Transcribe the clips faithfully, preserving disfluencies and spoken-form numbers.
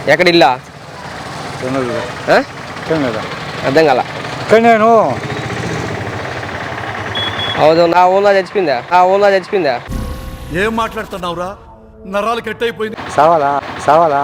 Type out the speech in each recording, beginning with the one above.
ఎక్కడ ఇల్లా అర్థం కాల నేను అవును నా ఊళ్ళో చచ్చిపోయిందా ఆ ఊళ్ళో చచ్చిపోయిందా ఏం మాట్లాడుతున్నావురా నరాలు కట్ అయిపోయింది సావాలా సావాలా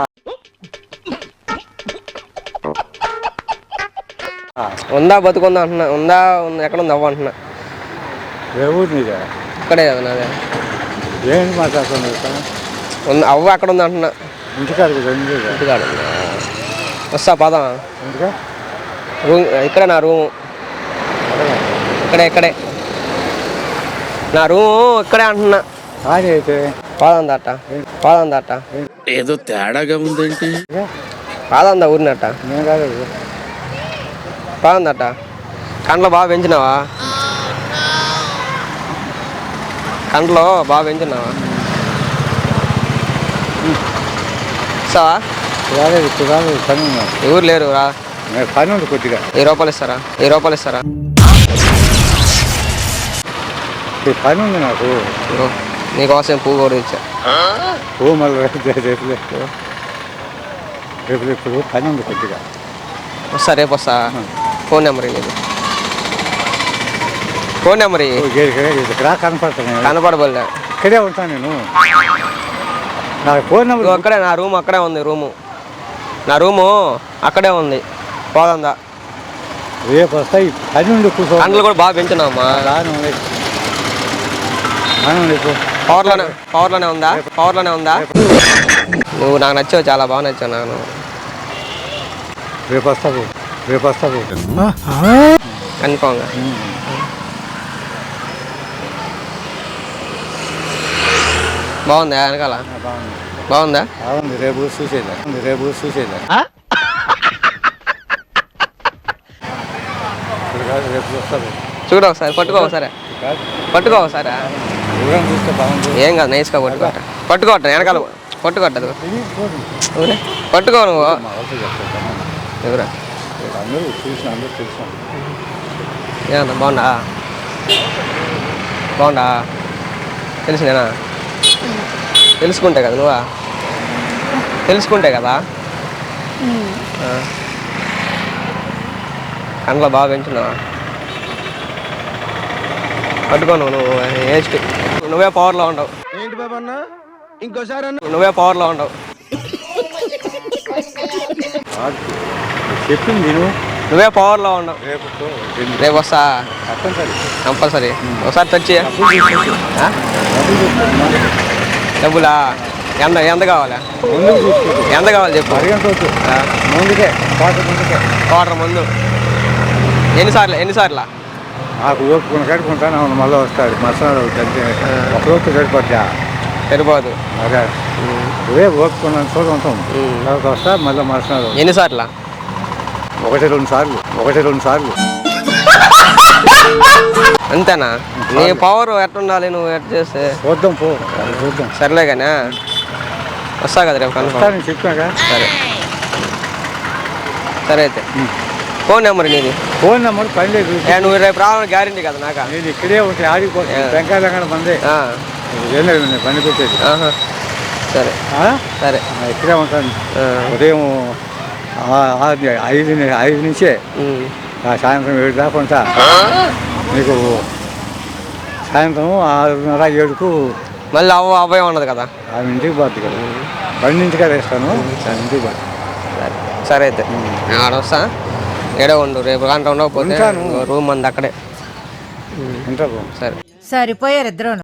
ఉందా బతుకుందా అంటున్నా ఉందా ఎక్కడ ఉంది అవ్వ అంటున్నా ఏ ఊరు నీదే ఇక్కడే కదా నాదే ఏంటి మాట్లాడుతున్నావు ఉంది అవ్వ అక్కడ ఉంది అంటున్నా ఇంటికాడ ఇంటికాడ వస్తా పదం ఇంటికా రూమ్ ఇక్కడే నా రూము ఇక్కడే ఇక్కడే నా రూము ఇక్కడే అంటున్నా కానీ అయితే పాదం దాట పాదం దాట ఏదో తేడాగా ఉందేంటి పాదం దా ఊరినట్ట నేను కాలేదు పాదం దాట కండ్లో బాగా పెంచినావా కండ్లో బాగా పెంచినావా ఇస్తావా రాలేదు ఇప్పుడు రాలేదు పని ఉన్నాను ఎవరు లేరు రా పని ఉంది కొద్దిగా వెయ్యి రూపాయలు ఇస్తారా వెయ్యి రూపాయలు ఇస్తారా పని ఉంది నాకు నీకోసం పువ్వు కూడా ఇచ్చా ఓ మళ్ళీ రేపు రేపు ఇప్పుడు పని ఉంది కొద్దిగా వస్తా రేపు వస్తా ఫోన్ నెంబర్ ఇది ఫోన్ నెంబర్ ఇక్కడ కనపడతాను కనపడబోలే ఇక్కడే ఉంటాను నేను నాకు ఫోన్ నెంబర్ అక్కడే నా రూమ్ అక్కడే ఉంది రూము నా రూము అక్కడే ఉంది పోదందా రేపు వస్తాయి పని ఉండి కూర్చో కండ్లు కూడా బాగా పెంచున్నావమ్మా పవర్లోనే పవర్లోనే ఉందా పవర్లోనే ఉందా నువ్వు నాకు నచ్చావు చాలా బాగా నచ్చావు నాకు రేపు వస్తావు రేపు వస్తావు కన్ఫామ్గా బాగుందా వెనకాల బాగుందా బాగుంది రేపు చూసేదా రేపు చూసేదా రేపు వస్తావు చూడ ఒకసారి పట్టుకో ఒకసారి పట్టుకో ఒకసారి చూస్తే బాగుంది ఏం కాదు నైస్గా పట్టుకోట పట్టుకోట వెనకాల పట్టుకోట్టదు పట్టుకో నువ్వు ఎవరా అందరూ చూసిన అందరూ చూసాను ఏమన్నా బాగుండా బాగుండా తెలిసిందేనా తెలుసుకుంటే కదా నువ్వా తెలుసుకుంటే కదా కండ్లో బాగా పెంచున్నావా పట్టుకో నువ్వు నువ్వు వేస్ట్ నువ్వే పవర్లో ఉండవు ఏంటి బాబా అన్న ఇంకోసారి నువ్వే పవర్లో ఉండవు చెప్పింది నేను నువ్వే పవర్లో ఉండవు రేపు రేపు వస్తా కంపల్సరీ ఒకసారి తెచ్చి డబ్బులా ఎంత ఎంత కావాలా ఎంత కావాలి చెప్పు ముందుకే ముందుకే క్వార్టర్ ముందు ఎన్నిసార్లు ఎన్నిసార్లు నాకు ఓపుకున్న కట్టుకుంటాను అవును మళ్ళీ వస్తాడు మసాలా అంటే ఒక రోజు సరిపోద్దా సరిపోదు అదే రేపు ఓపుకున్నాను చోట ఉంటాం తర్వాత వస్తా మళ్ళీ మసాలా ఎన్నిసార్లు ఒకటి రెండు సార్లు ఒకటి రెండు సార్లు అంతేనా నీ పవర్ ఎట్టుండాలి నువ్వు ఎట్ చేస్తే చూద్దాం పో చూద్దాం సర్లే కానీ వస్తా కదా రేపు కన్ఫర్మ్ చెప్పాగా సరే సరే అయితే ఫోన్ నెంబర్ నీది ఫోన్ నెంబర్ పని లేదు నువ్వు రేపు రావాలని గ్యారెంటీ కదా నాక నేను ఇక్కడే ఉంటాయి ఆడిపోతాను వెంకాయలంగా మందే పని పెట్టేది సరే సరే ఇక్కడే ఉంటాను ఉదయం ఐదు ఐదు నుంచే సాయంత్రం ఏడు దాకా ఉంటా నీకు సాయంత్రం ఆరున్నర ఏడుకు మళ్ళీ అవ్వ అవ్వే ఉండదు కదా ఆమె ఇంటికి పోద్ది కదా బండి ఇంటికాడ వేస్తాను ఇంటికి పోద్ది సరే సరే అయితే ఆడ వస్తా ఏడో ఉండు రేపు గంట ఉండకపోతే రూమ్ అంది అక్కడే ఉంటా సరే సరిపోయారు ఇద్దరు.